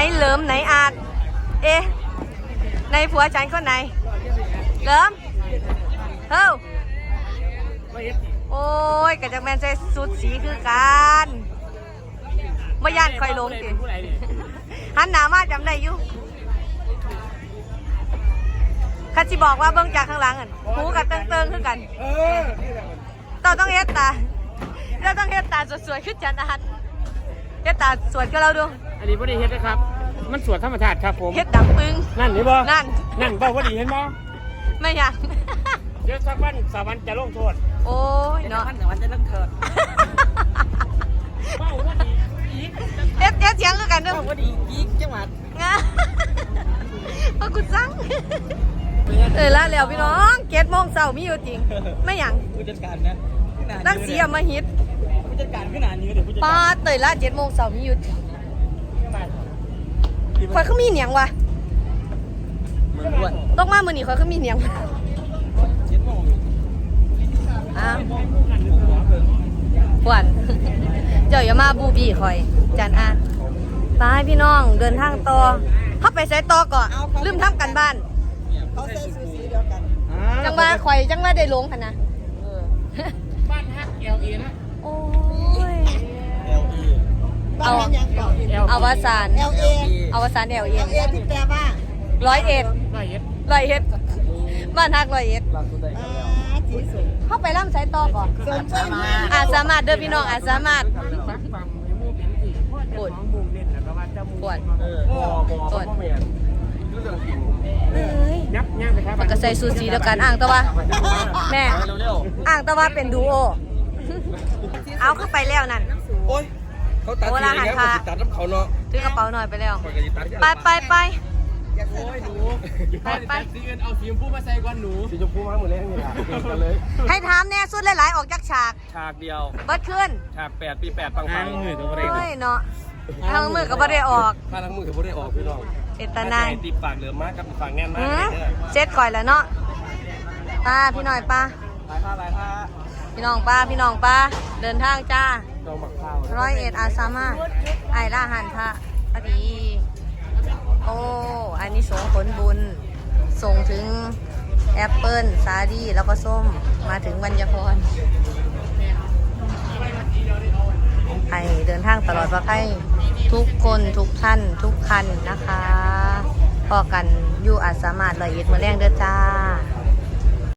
เหลิมไหนอาจเอ๊ะในผัวฉันคนไหนเหลิมเฮ้าโอ้ยกะจังแมนใส่สุดสีคือกันไม่ย่านคอยลงสิหันหน้ามาจำได้อยู่ข้าจิบอกว่าเบิ้งจากข้างหลังหูกับเติงๆคือกันต้องเฮ็ดตาเราต้องเฮ็ดตาสวยๆขึ้นจันอันเฮ็ดตาสวยก็เราดูอันนี้พอดีเฮ็ดนะครับมันสวยธรรมชาติครับผมเฮ็ดดำปึ้งนั่นนี่บ่นั่นบ่พอดีเห็นบ่ไม่อยากเดี๋ยวสักวันสาวันจะลงโทษโอ้ยเนาะสาวันจะลงโทษเบ้าพอดีอีกเฮ็ดเสียงคือกันเด้อพอดีอีกจังหวัดพอกูสั่งละแล้วพี่น้อง7 โมงเช้ามีอยู่จริงไม่หยังผู้จัดการนะตั้งสีอมาฮิตผู้จัดการขนาดนี้เดี๋ยวผู้จัดการป้าเตยละ7 โมงเช้ามีอยู่จริงข่อยเขามีเหนียงวะต้องมามื้อนี้ข่อยเขามีเหนียงปวดเจ้าอย่ามาบูบี้ข่อยจันอาไปพี่น้องเดินทางต่อเข้าไปใส่ต่อก่อนลืมทำกันบ้านเขาใส่สูสีเดียวกันจังว่าข่อยจังว่าได้ลงค่ะนะบ้านฮักLAนะโอ้ย LE บ้านยังก่อนอวสาน LA อวสานLA ที่แปลว่า 101บ้านฮัก101 ที่สุดเข้าไปล่ำใช้ต่อก่อนสามารถเด้อพี่น้องสามารถปวดปวดปวดมันก็ใส่ซูซีแล้วกันอ่างตะวะแม่อ่างตะวะเป็นดูโอเอาขึ้นไปแล้วนั่นโอ้ยเขาตัดทีนี้เขาตัดน้ำเขาเนาะถือกระเป๋าหน่อยไปแล้วไปโอ้ยหนูไปสีเงินเอาสีชมพูมาใส่ก่อนหนูสีชมพูมาหมดแล้วนี่ล่ะเลยให้ถามแน่สุดหลายๆออกจากฉากเดียวเบิดขึ้นฉาก8 ปี 8ปังมือตัวเฮ้ยเนาะทางมือก็บ่ได้ออกถ้าทั้งมือก็บ่ได้ออกพี่น้องเจตนาติดปากเหลือมากกับปากแน่นมากเซ็ตก่อยแล้วเนาะป้าพี่หน่อยป้าพี่น้องป้าเดินทางจ้า101อาสามาไอล่าหันพระอดีโอ้อันนี้ส่งผลบุญส่งถึงแอปเปิ้ลสาลี่แล้วก็ส้มมาถึงบรรยพรให้เดินทางตลอดปลอดภัยทุกคนทุกท่านทุกคันนะคะพอกันอยู่อาจสามารถ101 มื้อแรงเด้อจ้า